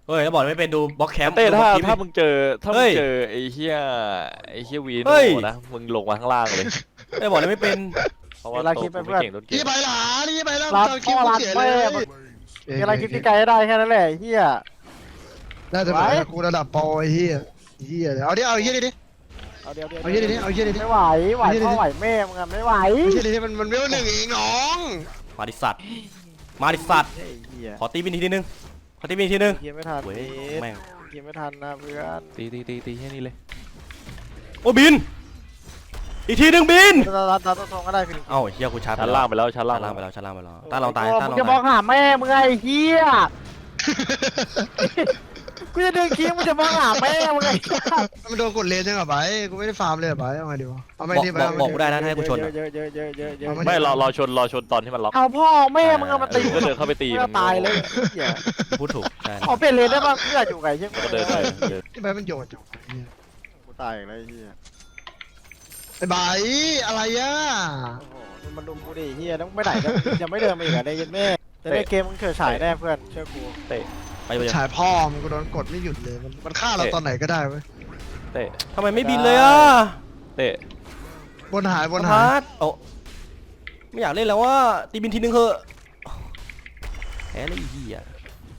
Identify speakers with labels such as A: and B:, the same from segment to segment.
A: เฮ้ยแล้วบอกไม่เป็นดูบล็อกแคมป์
B: เต้
A: ดูบล็อกคลิป
B: ถ้ามึงเจอ
A: เฮ้ย
B: ไอ้เหี้ยวี
A: เฮ้
B: โน่
A: ย
B: นะมึงลงมาข้างล่างเลย
A: ไม่บอกเลยไม่เป็น
B: เพราะว่า
C: เวลา
B: โต
C: คิดไป
B: กู
C: เพื่
B: ไม่
C: อน
B: เก่งต้นเก
D: นี่
B: ม
D: ไปหลานี่ไปแล้ว
C: รัด
D: ตอนคิ
C: พ่
D: ว
C: อรัด
D: เสีย
C: แม่
D: เลย
C: มีอะไรคิดที่ไกลได้แค่นั้นแหละเฮีย
D: น่าจะเป็นกูระดับโปรไอ้เหี้ยเหี้ยเอาดิเอาเหี้ยดิ
C: เอาเดี๋ยว
D: เอาเหี้ยดิเอาเหี้ยดิ
C: ไม่ไหวพ่อไหวแม่มึงอะไม่ไหว
D: เอาเหี้ยดิมันเวลหนึ่งเองน้อง
A: มาดิสัตว์มาดิสัตว์
C: ไอ้เฮีย
A: ขอตีบินทีนึงขอตีบินทีนึง
C: เกียไม่ทัน
A: เว้ยแม่ง
C: เกียไม่ทันนะเพื่อน
B: ตีแค่นี้เลย
A: โอ้บินอีกทีนึงบิน
C: รัดตรงก็ได้พี่
A: เอ้าเฮียกูชาร์จ
B: ชั้นล่างไปแล้วชั้น
A: ชั้
B: ล่าง
A: นล่างไปแล้วชั้นล่างไปแล้วตาเราตายตา
C: มึ
A: เรา
C: งจะมอ
A: ตาง ย
C: หาแม่มึงไงเฮียกูจะดึงคิ้วมึงจะมองหาแม่มึงไง
D: มันโดนกดเลนยังกับไปกูไม่ได้ฟาร์มเลยไปเอาไงดีวะเอาไม่ดีไป
A: บอกกูได้นะถ้าให้กูชน
C: เยอะ
B: ไม่รอชนตอนที่มันล็อก
C: เอาพ่อแม่มึงเอามาตี
B: ก็เดินเข้าไปตี
C: ตายเลยเฮีย
A: พูดถูกใช่
C: ขอเปลี่ยนเลนได้ป่ะเพื่ออยู่ไงเชี่ย
B: ก็เดินไป
D: ที่ไปมันโยนจัง
C: กูตายอีกแล้วเฮีย
D: ไอ้ใบอะไรอ่ะ
C: โอ้โหมันลุมกูดิเฮียต้องไปไหนยังไม่เดินมาอีกอ่ะได้ยินแม่จะได้เกมมึงเฉยฉายแน่เพื่อนเชื่อกู
B: เตะ
A: ไปเลย
D: ฉายพ่อมันกูโดนกดไม่หยุดเลยมันฆ่าเราตอนไหนก็ได้เว้ย
B: เตะ
A: ทำไมไม่บินเลยอ่ะ
B: เตะ
D: บนหายบน
A: พ
D: หาย
A: าร์ทโอ้ไม่อยากเล่นแล้วว่าตีบินทีนึงเถอะแพ้เลยไอ้เฮีย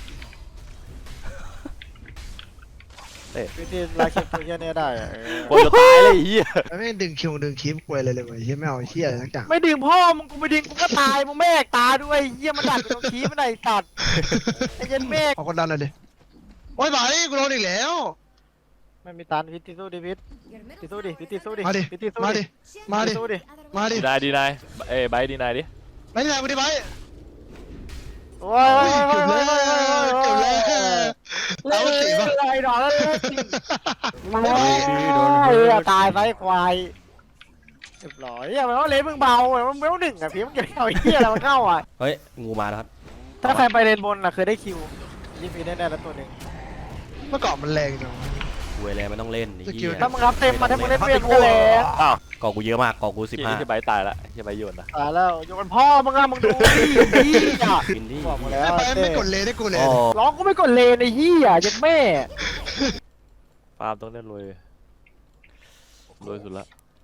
C: วิธีลาคิปตัวเฮียเนี่ยได้อะ
B: คนจะตายเลยไอ้เหี้ย
D: ไม่ดึงคิวดึงคลิปกูเลยเลยเว้ยเฮียไม่เอาเฮียอะไรสักอย่าง
C: ไม่ดึงพ่อมึงกูไม่ดึงกูก็ตายมึงแม่ตาด้วยเฮียมันดัดตรงขี้มันไหนตัดไอ้เย็นแม่
D: เอาคนดันเลยดิโอ้ยใบกูโดนอีกแล้ว
C: ไม่มีตันพิษสู้ดิพิษสู้ดิพิษสู้ดิ
D: มาดิ
C: พิษสู้
D: มา
C: ดิ
D: ดิมาดิ
C: สู้ดิ
D: มาดิ
B: ดีนายไบดีนายดิ
D: ไม่ได้กูดิใบ
C: โอ้ย
D: เกือบแล้วเกือบแล้ว
C: เล่นอะไรดอกแล้วตายไปควายเรียบร้อยอย่าไปว่าเลนมึงเบามึงไม่ต้องหนึ่งอ่ะพี่มึงจะเอาเฮียอะไรมาเข้าอ่ะ
A: เฮ้ยงูมาแล้วครับ
C: ถ้าใครไปเลนบนอ่ะเคยได้คิวยิงฟรีแน่ๆแล้วตัวหนึ่ง
D: เมื่อก่อนมันแรงจัง
A: กูเลยไม่ต้องเล่นไอ้เฮีย
C: ถ้ามึงรับเต็มมาถ้ามึงเล่นเวียนก็แล้ว
B: อ้าว
A: กอกูเยอะมากกอกู
B: ที่
A: 15
B: ไบตายละที่ไบโยนนะ
C: ตายแล้วโยนพ่อมึงอะมึงดูดิอ่ะ
A: บินที่
C: บอกมาแล้ว
D: ไปไม่กดเลนให้กูเลย
A: อ๋อ
C: ร้องก็ไม่กดเลนไอ้เหี้ยยัดแม่
B: ฟาร์มต้องเล่นรวยสุดละ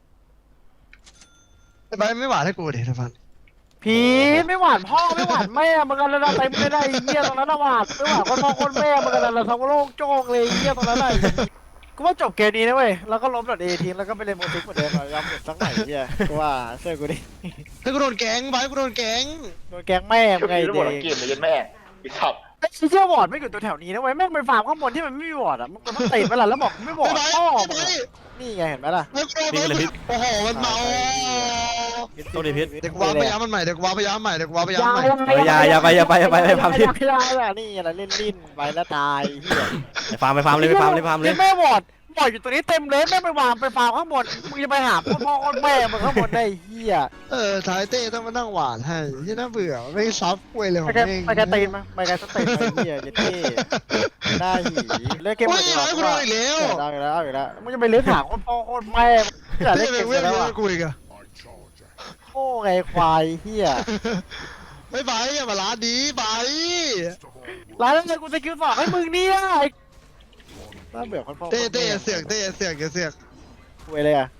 D: ไปไม่หวานให้กูดินะฟัน
C: ผีไม่หวานพ่อไม่หวานแม่มึงกันระดับเต็มไม่ได้ไอ้เหี้ยตรงนั้นระหวานไม่หวานคนพ่อคนแม่มึงกันระดับทั้งโลกโจ้งเลยไอ้เหี้ยตรงนั้นไหนกูว่าจบเกมนี้นะเว้ยแล้วก็ล้มดอทเอทีแล้วก็ไปเล่นโมติกเหมือนเดิมยอมหมดสักหน่อยเหี้ยกูว่าเชื่อกูดิ
D: ถ้ากูโดนแก๊งไปกูโดนแก๊ง
C: โดนแกงแม่มึงไงเด็ก
E: เกมเลยยันแม่ไอ้สัตว์
C: ไอ้เชี่ยวอร์ดไม่อยู่ตัวแถวนี้นะเว้ยแม่งไปฟาร์มข้างบนที่มันไม่มีวอร์ดอ่ะมึงก็ต้องติดไปละแล้วบอกไม่วอร์ด
D: ไป
C: พ่อ
D: ไป
C: มึงอะนี่ไงเห็นไหมล่ะ
D: ไปโอ้โหมันเมา
A: โทษดิพิษ
D: เด็กว้าพยายามมันใหม่เด็กว้าพยายามใหม่เด็กว้าพยายามใหม่
A: อย่าไปฟาร์มที่
C: อย่านี่อะไรเล่นลิ้นไปแล้วตายเหี้ย
A: ไปฟาร์มเลยไปฟาร์มเลย
C: แม่วอร์ดอยู่ตัวนี้เต็มเลยแม่ไปวางไปฟาร์มข้างบนมึงจะไปหาพ่อแม่มึงข้างบนได้เหี้ย
D: ท้ายเต้ต้องมานั่งหวานให้ที่น่าเบื่อไม่ซับกล้วยเลย
C: ไปกันตีนมาไปกันสเต็ปไปเหี้ยเจ๊เท่ได้หีเล่นเกม
D: โอ้
C: หม
D: ย
C: ด
D: ร้อยกูโดนอีกแล้ว
C: ได้แล้วมึงจะไปเลี้ยงหาพ่อแม่อย่าเล่
D: เต้
C: นเก
D: เป็น
C: ม
D: เพื่อน
C: แล้วอ่ะ
D: กูอีกอะ
C: โอ้ไงควายเหี้ย
D: ไม่ไปอย่ามาล้าดีไป
C: ร้านนั้นกูจะคิวสองให้มึงเนี่ยน่าเบื่อคนพ่อ
D: เต้เสือกเต้เสือกอย่าเสือก
C: คุยเลยอ่ะ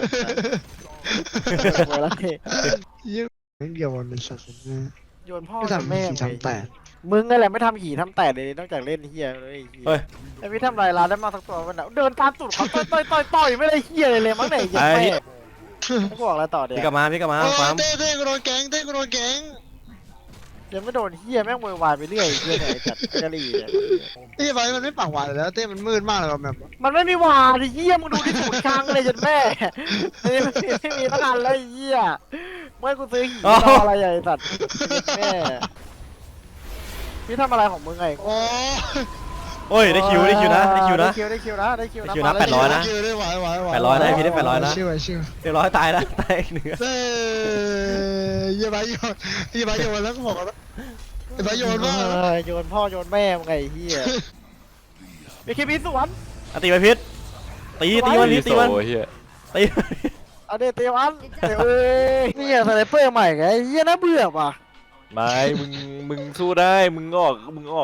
C: คุยแล้วเท่
D: ยิ่งเดียวมันเป็นสัตว์นะ
C: โยนพ่อ
D: ไม่ทำ
C: แม่
D: สี่ทำแปด
C: มึงนั่นแหละไม่ทำหีทำแต่เลยนอกจากเล่นเฮียเลยไอ้พี่ทำลายร้านได้มาสักตัวมันเดินตามตูดเขาต่อยไม่ได้เฮียเลยมั้งไหนยังไม่บอกแล้วต่อเดี๋ยว
A: พี่กลับมาฟาร์ม
D: เต้กูโดนแก๊งเต้กูโดนแก๊ง
C: ยังไม่โดนเฮียแม่งวายไปเรื่อยเฮียไหนจัดกะหรี่เนี่ย
D: นี่ไปมันไม่ปากหวานแล้วเต้มันมืดมากเลยแบบ
C: มันไม่มีวาดิเฮียมึงดูที่สูตรค้างเลยจนแม่ไม่มีตั้งนานเลยเฮียเมื่อกูซื้อหีอะไรใหญ่สัตว์แม่พี่ทำอะไรของมึงไง
D: โอ้
A: โอ้ยได้คิวนะ
C: ได้คิวนะ
A: ได้คิวนะ 800นะ
D: คิวได้ไหว
A: 800นะพี่ได้800นะ
D: ชื่อ
A: เรียบร้อยตายแล้วตายอีกหนึ่ง
D: เต้ยี่ใบโยนแล้วก็บอกว่าใบโยนว่า
C: โยนพ่อโยนแม่มึงไงเฮียมีเคบีสวน
A: ตีไปพิษตีมัน
B: โอ้
A: ตีมัน
B: เหี้ย
A: ตี
C: เอาเดเตวันเอ้ยนี่สไนเปอร์ใหม่ไงเฮียน่าเบื่อว่ะ
B: ไม่มึงสู้ได้มึงออก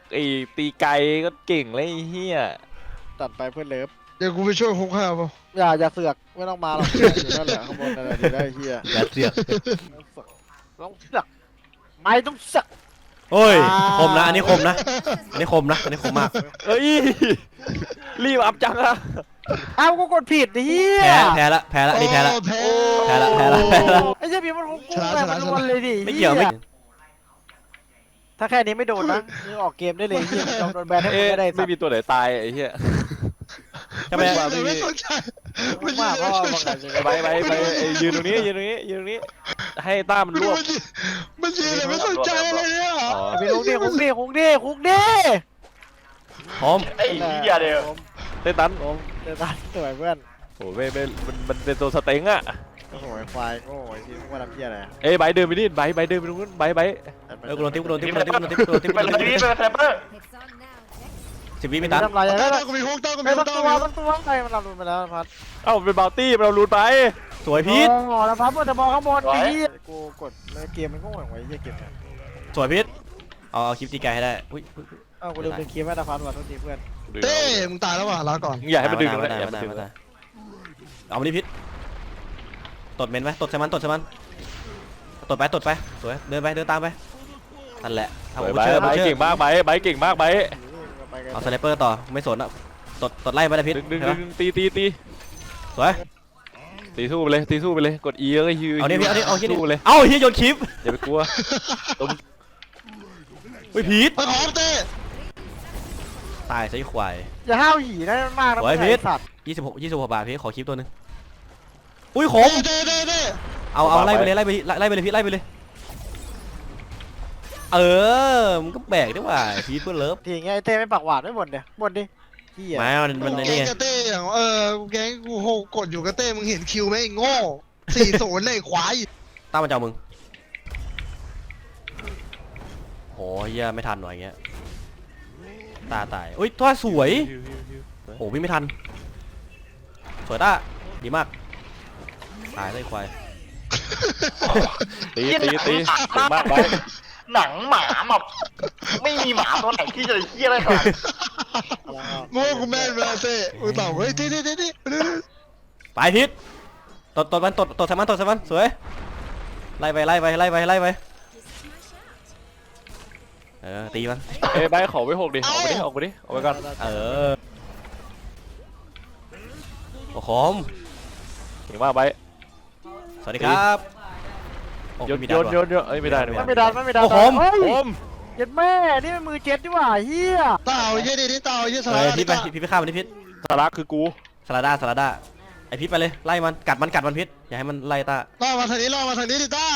B: ไอ้ตีไกลก็เก่งเลยไอ้เฮีย
C: ตัดไปเพื่อนเลิฟ
D: เดี๋ยวกูไปช่วยฮุกให้เอาเปล่า
C: อย่าเสือกไม่ต้องมาหรอกอยู่นั่นแหละข้างบนนั่นแหละดีได้เฮีย
A: อย่าเสือก
C: ต้องเสือกไม่ต้องเสือก
A: โอ้ยคมนะอันนี้คมนะอันนี้คมนะอันนี้คมมาก
B: เอ้ยรีบอัพจังอะ
C: อ้าวกูกดผิดเฮีย
A: แพ้ละอันนี้แพ้ละ
D: โอ้แพ้
A: แพ้ละ
C: ไอ้เจ้าพี่มันคงกูอะไรมันวนเลยดิ
A: ไม่เกี่ยวไม่
C: ถ้าแค่นี้ไม่โดนนะมึงออกเกมได้เลยเฮียโดนแบนให้มึ
B: เอ๊ะ
C: งไม่ได้สั
B: ไม่
C: ตว์
B: มีตัวไหนตายไอ้เหี้ย
A: ทำไม
D: ไม่สนใจ
C: มึงมากเพราะว่ามึงอาจจะ
B: ไปไอ้ยืนตรงนี้ยืนตรงนี้ให้ต้ามันรวบ
D: มันยืนเลยไม่สนใจอะไรเนี่ย
B: อ๋อ
C: ไปคุกดิคุกดิคุกดิคุกดิ
A: พร้อม
E: ไอ้เหี้ยเดียว
B: เต้นตัน
C: เดี๋ยวตายสวยเพื่อน
B: โอ้ไม่มันเป็นตัวสเต็งอะ
C: โอ้โหไอ้ควายโง่ไอ้ที่มึงว่าทำเพี้ยอะไร
B: เอ้ยไบเดินไปนี่ไบเดินไปตรงนู้นไบ
A: กูโดนทิปกูโดนทิปกูโดนทิปกูโดนทิปกูโดนทิป
E: ไปเลยนี่เป็นแซมเปอร์
A: 10 วิไม่ตัน
C: ทำลายอะไร
D: ต้
C: ได้
D: องมีฮุกต้องมี
C: ไม่
D: ฮุ
C: ต้
D: ก
C: อง
D: ต้อง
C: ตัว
D: มี
C: ต้องตัวใครมันรับรุนไปแล้วพัด
B: เอ้าเป็นบาวตี้เราลูดไป
A: สวยพีท
C: โอ้แล้วพัดบนจะมองข้างบนดีกูกดแล้วเกมมันโง่อย่างไรเฮียเกมเนี่ย
A: สวยพีทเอาคลิปตีไกลให้ได้อุ้ย
C: เอ้ากูลืมเป็นเกมแม่ตาพัดว่ะทุกทีเพื่อน
D: เต้มึงตายแล้วว่ะลาก่อน
B: อย่าให้มันดึง
A: ไม่
B: นะ
A: ได้
B: อย่า
A: ไม่
B: ให้มัน
A: ได้
B: ดึง
A: ไม่ได้เอามาดิพีทตดเมนไปตดใส่มันตดไปสวยเดินตามไปนั่นแหละเอา
B: ไบ
A: บูเชอร์
B: เก่งมากไบเก่งมากไบ
A: เอาสไนเปอร์ต่อไม่สนอ่ะตดไล่ไปเลยพีท
B: ดึงตี
A: สวย
B: ตีสู้ไปเลยกด E แล้วก็ยืน
A: เอาเนี่ยพีทเอาที่นี่
B: สู้เลย
A: เอาเฮียโยนคลิป
B: อย่าไปกลัว
A: อุ้ยพีท
D: ไปขอเต้
A: ตายซะไอ้ควาย
C: อย่าห้าวหีนะมากนะสัตว์
A: 26บาทพีทขอคลิปตัวนึงอุ้ยขม
D: เต้
A: เอาไล่ไปเลยพีทไล่ไปเลยมันก็แบกได้ว่าพีทเพื่อนเลิฟ
C: ทีเงี้ยไอเต้ไม่ปากหวานไม่บ่นเดี๋ยวบ่นดิเฮีย
A: มามัน
D: แก
A: นี่
D: ง
A: ไง
D: กับเต้อย่างแกงกูโหกดอยู่กับเต้มึงเห็นคิวไหมไอ้โง่40เลยควาย
A: ตั้งมาเจ้ามึงโหเฮียไม่ทันหน่อยอย่างเงี้ยตายอุ้ยตัวสวยโอ้พี่ไม่ทันสวยต้าดีมากตายเลยควาย
B: ตีเก่งมากไบ
E: หนังหมาแบบไม่มีหมาตัวไหนที่จะเหี้ยอะไรขนาด
D: โง่กูแม่นเวลาเต้มึงตอบเฮ้ยเต้
A: ไปพิษตดใส่มันสวยไล่ไปตีมัน
B: เอ้ยไบขอไว้6ดิออกไปก่อน
A: โอ้โหม
B: เก่งมากไบ
A: สวัสดีครับโอ้
B: โยน
A: ไม่มีดาวว่ะ
B: เอ้ยไม่ได้
C: ไม่ดันเฮ้ยเจ็ดแม่นี่มันมือเจ็ดดีกว่าเฮีย
D: เต่าเยี่ยดิเต่าเยี่ยส
A: เฮ้
D: ลาย
A: พิษไปพิษฆ่ามันดิพิษ
B: สาระคือกู
A: สลาด้าไอพิษไปเลยไล่มันกัดมันพิษอย่าให้มันไล่ตา
D: ล่อมาทางนี้ดิเต้า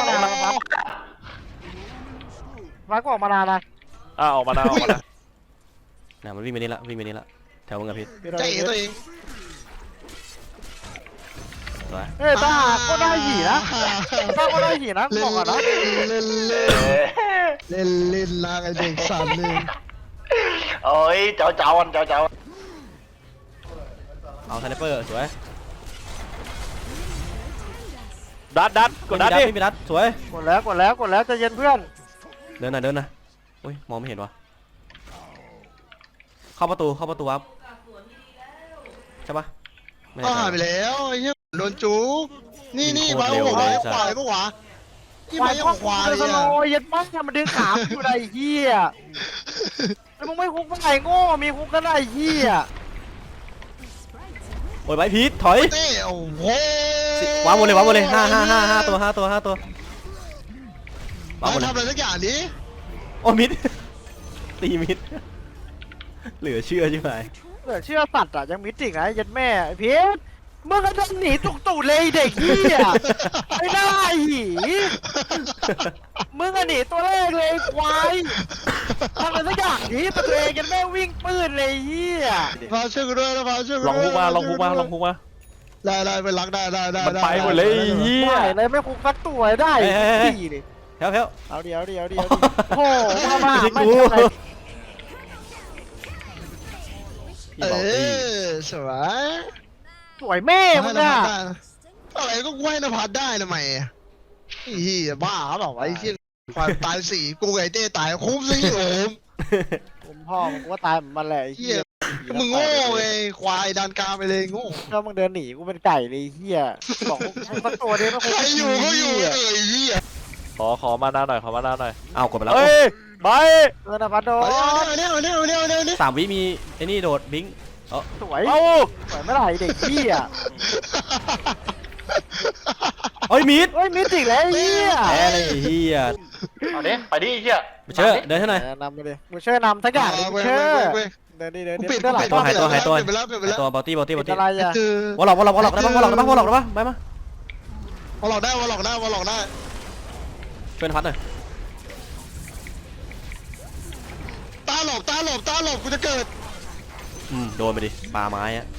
C: มาก็ออกมานานนะ
B: ออกมานะ
A: น่ะมันวิ่งไปนี่ละแถวมึงกับพิษ
D: ใจตัวเอง
A: สวย
C: เฮ้ยตาก็ได้หีนะตาก็ได้หีนะบอกก่อนนะ
D: เล่นลากไอเด็กสัตว์เลย
E: โอ้ยเจ้าเจ้า
A: เอาสไนเปอร์สวย
B: ดัดกดดัดดิ
A: ไม่มีดัดสวย
C: กดแล้วใจเย็นเพื่อน
A: เดินหน่อยอุ้ยมองไม่เห็นวะเข้าประตูครับใช่ปะไม่
D: ก็
A: แน่ใจ
D: หายไปแล้วไอ้เหี้ยโดนจุกนี่ไว้หัวควายปะวะที่ไว้ของควาย
C: ส
D: อ่ะ
C: โลยัดมั่งมันดึงขาอยู่ไรเฮียแล้วมึงไม่คุกมึงไงโง่มีคุกก็ได้เฮีย
A: โอ้ยไปพีทถอย
D: เต้โอ้โห
A: วางหมดเลย5ตัววางหมดเลย
D: ทำอะไรสักอย่างดิ
A: โอ้มิด ตีมิด เหลือเชื่อใช่ไหม
C: เหลือเชื่อสัตว์อ่ะยังมิดจริงนะยัดแม่พีทมึงก็จะหนีตุกตูดเลยเด็กเฮียไม่ได้หีมึงอะหนีตัวแรกเลยควายทำอะไรสักอย่างดิตัวเองยัดแม่วิ่งปืนเลยเฮีย
D: พาช่วยกูด้วยนะพาช่วยกู
B: ลองพุกมา
D: ได้ไปรักได้
B: มันไปหมดเลยเฮีย
C: ได้เลยไม่คุกสักตัวได้ดีเลย
A: แพ้
C: เอาเดี๋ยวโอ้โหมาไม่
D: เออสวย
C: สวยแม่มึงอะ
D: อะไรก็ไหวนภัสได้ทำไมอีบ้าเปล่าไอ้เชี่ยความตาย4กูไอ้เต้ตายคุ้มสิโอม
C: พ่อมึงกูว่าตายเหมือนมันแหละไอ้
D: เฮี
C: เหี้
D: ย
C: ย
D: มึงโง่ไงควายดันกลางไปเลยโง่
C: ถ้ามึงเดินหนีกูเป็นไก่เลยไอ้เหี้ยบอกมึงสักตัวเดียวไม่คง
D: ใครอยู่ก็อยู่
C: เหี้
D: เอ้ยเฮีย
B: ขอมานาหน่อยขอมานาหน่อย
A: อ้าวกดไปแล้ว
B: เฮ้ยไป
C: นะพัดโด
D: เอาเนี่ยเอาเนี่ยเอาเนี่ยเอาเนี่ยเอาเนี่ย
A: 3 วิมีไอ้นี่โดดบิง
C: สวย
B: เอ้า
C: สวยไม่ไหร่เด็กเหี้ย
A: เฮ้ยมีด
C: เฮ้ยมิติกแล้วไอ้เหี้ย
A: แพ้เลยไอ้เฮีย
E: เอาดิไปดิไอ้เฮีย
A: ไปเชื่อเดินให้หน่อย
C: นำไปดิกูเชื่อนำทั้งอย่างดิกูเชื่อเดินดิเดิน
D: กู
C: ดิ
D: ปิด
C: เดินหลาย
D: กู
C: ตัว
D: ปิด
A: หายตัว
D: ปิดไปแล้วปิดไปแล้ว
A: ตัวบอลตี้
C: ปิดอะไรอ่ะ
D: คือ
A: วอลล็อกได้ปะวอลล็อกได้ปะวอลล็อกได้ปะไปมา
D: วอลล็อกได้วอลล็อกได้วอลล็อกได้
A: ช่วยนภัสหน่อย
D: ตาหลบตาหลบตาหลบกูจะเกิด
A: โดนไปดิปาไม้อะ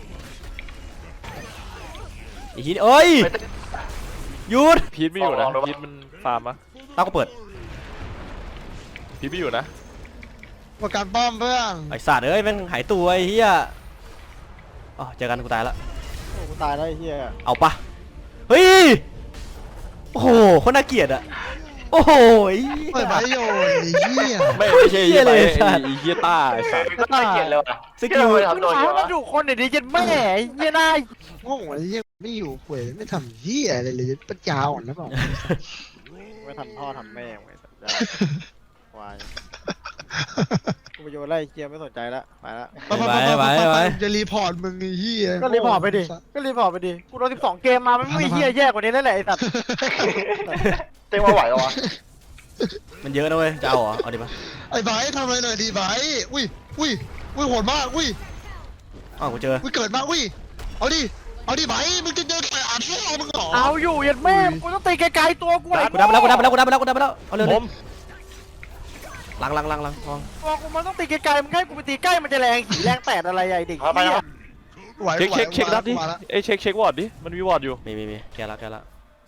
A: อีกทีเอ้ยหยุด
B: พีทไม่อยู่นะพีทมันฟาร์มปะ
A: ตาก็เปิด
B: พีทไม่อยู่นะ
D: ประกันป้อมเพื่อน
A: ไอสัตว์เอ้ยแม่งหายตัวไอ้เหี้ยอ๋อเจอกันกูตายละ
C: โอ้กูตายแล้วไอ้เหี้ย
A: เอาปะเฮ้ยโอ้โหคนน่าเกลียดอะโอ้โห
D: เปิดใบโยนไอ้เหี้ย
B: ไม่ใช่
A: เหี้ยเลย
B: ไอ้
A: สัตว์
B: ไอ้เฮียต้าไอ้สัตว์
E: ก็น่าเกลียดเลยว่ะ
A: สกิล
E: เหี้ย
C: มึ
E: ทำ
C: ง
E: โดน
C: หา
E: เยอะ
C: มันอยู่คนเดี๋ยวนี้ยันแม่ไอ้เหี้ยน่า
D: โง่ไอ้เหี้ยไม่อยู่ป่วยไม่ทำเหี้ยอะไรเลยปัญญาอ่อนแล้วเปล่า
C: ไม่ทำพ่อทำแม่ไว้สัตว์ควายกูไปโยนไล่เกียร์ไม่สนใจละไปละ
A: ไป
D: จะรีพอร์ตมึงไอ้เหี้ย
C: ก็รีพอร์ตไปดิก็รีพอร์ตไปดิกูโดน12 เกมมาไม่มีเหี้ยแย่กว่านี้แล้วแหละไอ้สัตว์
E: เต็มมาไหวเหรอวะ
A: มันเยอะนะเว้ยจะเอาเหรอเอาดิปะ
D: ไอ้ไบร์ททำอะไรหน่อยดีไบร์ทอุ้ยโหดมากอุ้ย
A: อ้าวกูเจอ
D: เกิดมากอุ้ยเอาดิไบร์ทมึงจะเดินไปอ่านพ่อมึงเหรอ
C: เอาอยู่ยันแม่กูต้องตีไกลๆตัวกูไอ้
A: กูดับไปแล้วเอาเร็ว
B: ผม
A: ลัง
C: ตัวกูมันต้องตีไกลๆมึงให้กูไปตีใกล้มันจะแรงขี่แรงแตดอะไรใหญ่เด็ก
E: เอาไป
C: เหี้ย
E: นะ
D: ไหว
B: เช็คนัดดิเอ้ยเช็ควอร์ดดิมันมีวอร์ดอยู่
A: มีแกละ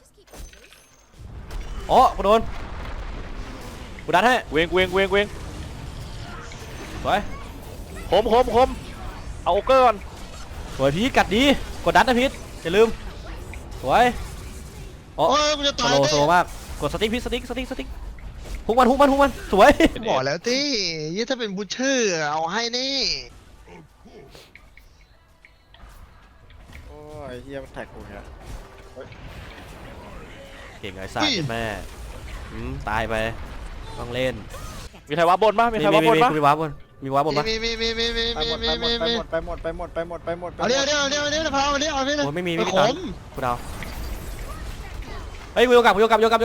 A: อ๋อกูโดนกูดันให้
B: เวง
A: สวย
B: ผมเอาโอเกอร์ก่อน
A: สวยพีทกัดดีกดดันนะพีทอย่าลืมสวยอ๋อ
D: โอ้ยมึงจะ
A: ส
D: ตาย
A: โลมากกดสติ๊กพีทสติ๊กฮุกมันสวย
D: บอกแล้วที่ยี่ถ้าเป็นบูชเชอร์เอาให้นี่
C: โอ้ยเหี้ยมันแท็กกูเนี่ย
A: เก่งไอ้สัตว์แม่ตายไปต้องเล่น
B: มีใครวับบนปะมีใครวับบนปะ
A: มีว้าบนปะ
D: มี
C: ไปหมด
D: เอาเดี๋ยวพาเอาเดี๋ยวเอาเดี๋ยว
A: โอ้ยไม่มี
D: ข
A: ตัง
D: ม
A: ค์กูเดาเฮ้ยกูโยกกลับเฮลเฮล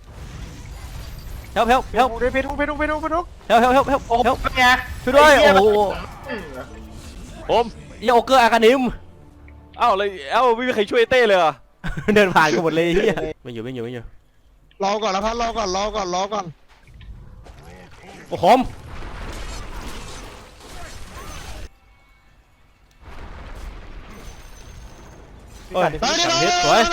C: ไปทุก
A: ช่วยด้วยโอ้โห
B: ผม
A: นี่โอเกอร์อาคานิม
B: เอ้าเลยไม่มีใครช่วยเต้เลยอ่ะ
A: เดินผ่านกูหมดเลยเฮียไม่อยู่
D: รอก่อนแล้วพัดรอก่อน
A: โอ้โหมเฮ้ย
D: ไปดิ
A: พิษสวย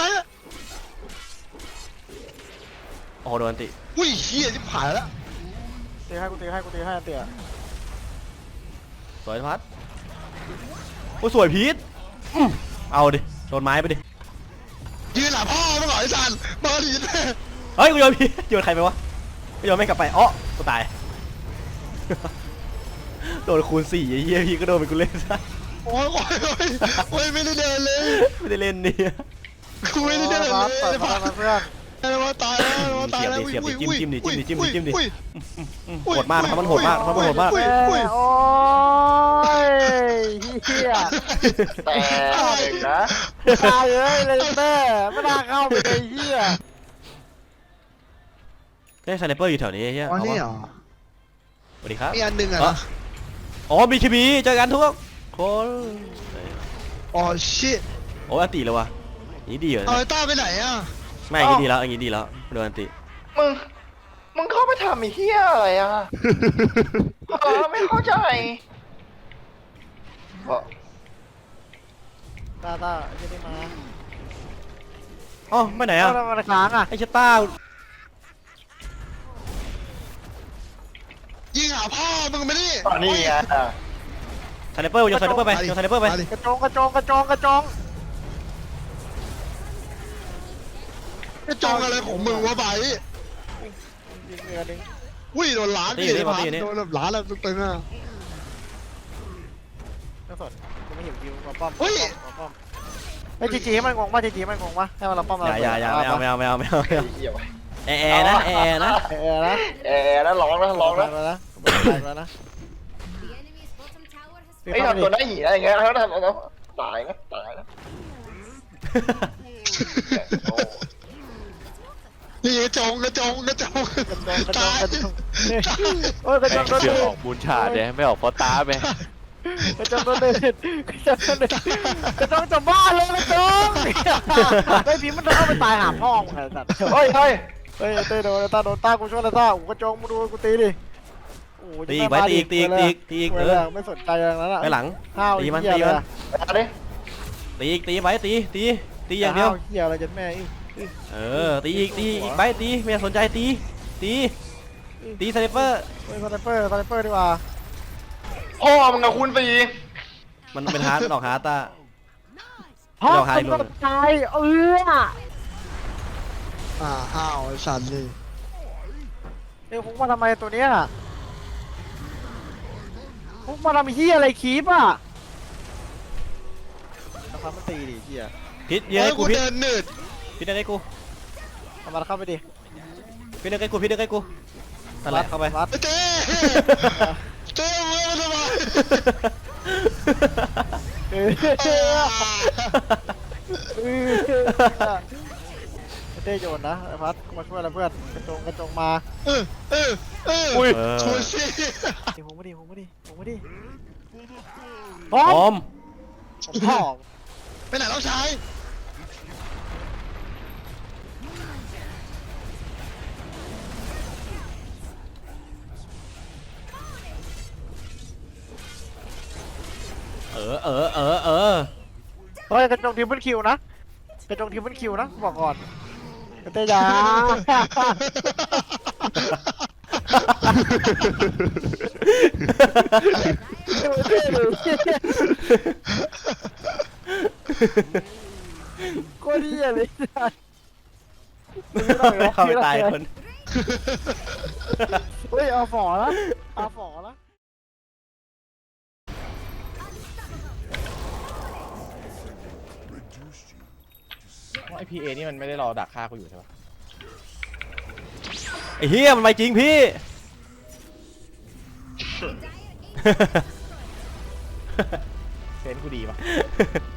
A: โอ้โหโดนติ
D: อุ้ยเฮียที่ผ่านแล้ว
C: ตีให้กูตีให้เตี๋ย
A: สวยพัดโอ้สวยพีทเอาดิโดนไม้ไปดิ
D: ยืนหลับพ่อมึงเหรอไอ้สันมาดิ
A: เฮ้ยกูโยนพีทโยนใครไปวะกูโยนไม่กลับไปอ๋อกูตายโดนคูณ4ไอ้เหี้ยพี่ก็โดนไปกูเล่นซะ
D: โอ้ยไม่ได้เดินเลย
A: ไม่ได้เล่นนี่
D: กูไม่ได้เดินเลย
C: ผ่านมาเพื่อน
D: ว่าตายแล้ว
A: โหดมากนะครับมันโหดมาก
C: โอ้ยเฮีย
E: แต่เด็กนะ
C: ตายเลยแม่ไม่น่าเข้าไปเลยเฮีย
A: เฮ้ยไซเปอร์อยู่แถวนี้เฮีย
D: อ๋อนี่เหรอ
A: สวัสดีครับ
D: มีอันหนึ่งอ่ะ
A: อ๋อมีคีบีเจอกันทุกคน
D: อ๋อชิต
A: โอ้อันติแล้ววะนี่ดีเหรอ
D: เอาไอ้ต้าไปไหนอ่ะ
A: ไม่อย่างนี้ดีแล้วอย่างนี้ดีแล้วโดนอันติ
E: มึงเข้าไปทำไอ้เหี้ยอะไรอ่ะไม่เข้าใจ
C: ตาจะได้มา
A: อ๋อไม่ไหนอ่ะ
C: มันค้างอ่ะ
A: ไอ้ชะต้า
D: ยิงหาพ่อมึงไม่ได้
E: นี่ไง
A: ไซเปอร์โยนไซเปอร์ไปโยนไซเปอร์ไป
C: กระจงกระจง
D: กระจองอะไรของมึงวะไบ
C: ยิงเรือนึง
D: อุ้ยโดนล้าน
A: ตี
D: พี่
A: นี่
D: ไอ้
A: มา
D: พั
A: ตี
D: น
A: นี่
D: โดนแบบล้านแล้วตึงๆอ่ะ
C: ไม่สนกูไม่เห็นวิวมาป้อม
D: เฮ้ย
C: มาป้อมไอ้จีจีให้มันงงป่ะจีจีให้มันงงป่ะให้มันเราป้อม
A: อย่าไม่เอา
E: ไอ้เหี้ยวะ
A: แอร์นะแอร์นะ
C: เออนะ
E: แอร์นะร้องนะร้องนะ
C: แล้วนะแล้วนะ
F: The enemy's bottom tower has
E: ไอ้ทำตัวหน้าหีอะไรอย่างเงี้ยแล้วทำตายนะตายนะโอ้
D: นี่กระจงตาย
C: กระจงโอ้ยกระจงโดน
B: เสื
C: เด็
B: อ
C: ด
B: ออกบูนชาดเนี่ยไม่ออกฟอตาไป
C: กระจงโดนเด็ดกระจงโดนเด็ดกระจงจะบ้าเลยกระจงไอ้ผีมันเข้าไปตายหาพ่อมึงไงสัตว์
E: เฮ้ยเฮ้ย
C: เฮ้ยเต้โดนตากูช่วยแล้วตากูกระจงมึงดูกูตีดิโอ้ย
A: ตีอีกไว้ตีอีกตีอีกตีอีกตีอีก
C: ไม่สนใจอย่างนั้นอ่ะ
A: ไปหลัง
C: ห้าว
A: ตีมัน
C: เหี้ย
A: ตีมัน
C: เลย
E: มาดิ
A: ตีอีกตีไว้ตีอย่างเดียว
C: ห้เหี้ยอะไรจนแม่อีก
A: ตีอีกไปตีไม่อยากสนใจตีสไนเปอร์
C: เฮ้ยสไนเปอร์ดีกว่า
E: พ่อมึงกับคุณตี
A: มันเป็นฮาร์ดดอกฮาร์ดตา
C: พ่อ
A: เดี๋ยวหาย
C: มึง
A: ล
C: ก็
A: ง
C: ตาย
D: อ้าวไอ้สัตว์นี่
C: เอ้ยพวกมาทำไมตัวเนี้ยพวกมาทำเหี้ยอะไรคีบอ่ะนะครับมันตีดิเหี้ย
A: พิษเยอะให้กูพิษ
D: เดินหนืด
A: พิษเดินให้กู
C: เอามาเข้าไปดิ
A: พิษเดินให้กูนั่นแหละเข้าไป
C: วัด
D: ไอ้เต้เต้มึงมาทำไม
C: เออเต้โยนนะไอ้พัดมาช่วยแล้วเพื่อนกระจงมา
D: อุ้ยชูซี่
C: ดิผมไม่ดิพ
A: พ
C: ร้อ
A: ร้อ
C: ม
A: ม
C: ผมพร้อม
D: ไปไหนน้องชาย
A: เออ
C: เฮ้ยกระจงทีมเปิลคิวนะกระจงทีมเปิลคิวนะบอกก่อนเต้ยาโคตรเหี้ยเลย
A: เข้าไปตายคน
C: เฮ้ยเอาฝอแล้วเอาฝอแล้ว
B: ไอพีเอนี่มันไม่ได้รอดักฆ่ากูอยู่ใช่ปะ
A: ไอ้เฮียมันไม่จริงพี่
B: เซนกูดีปะ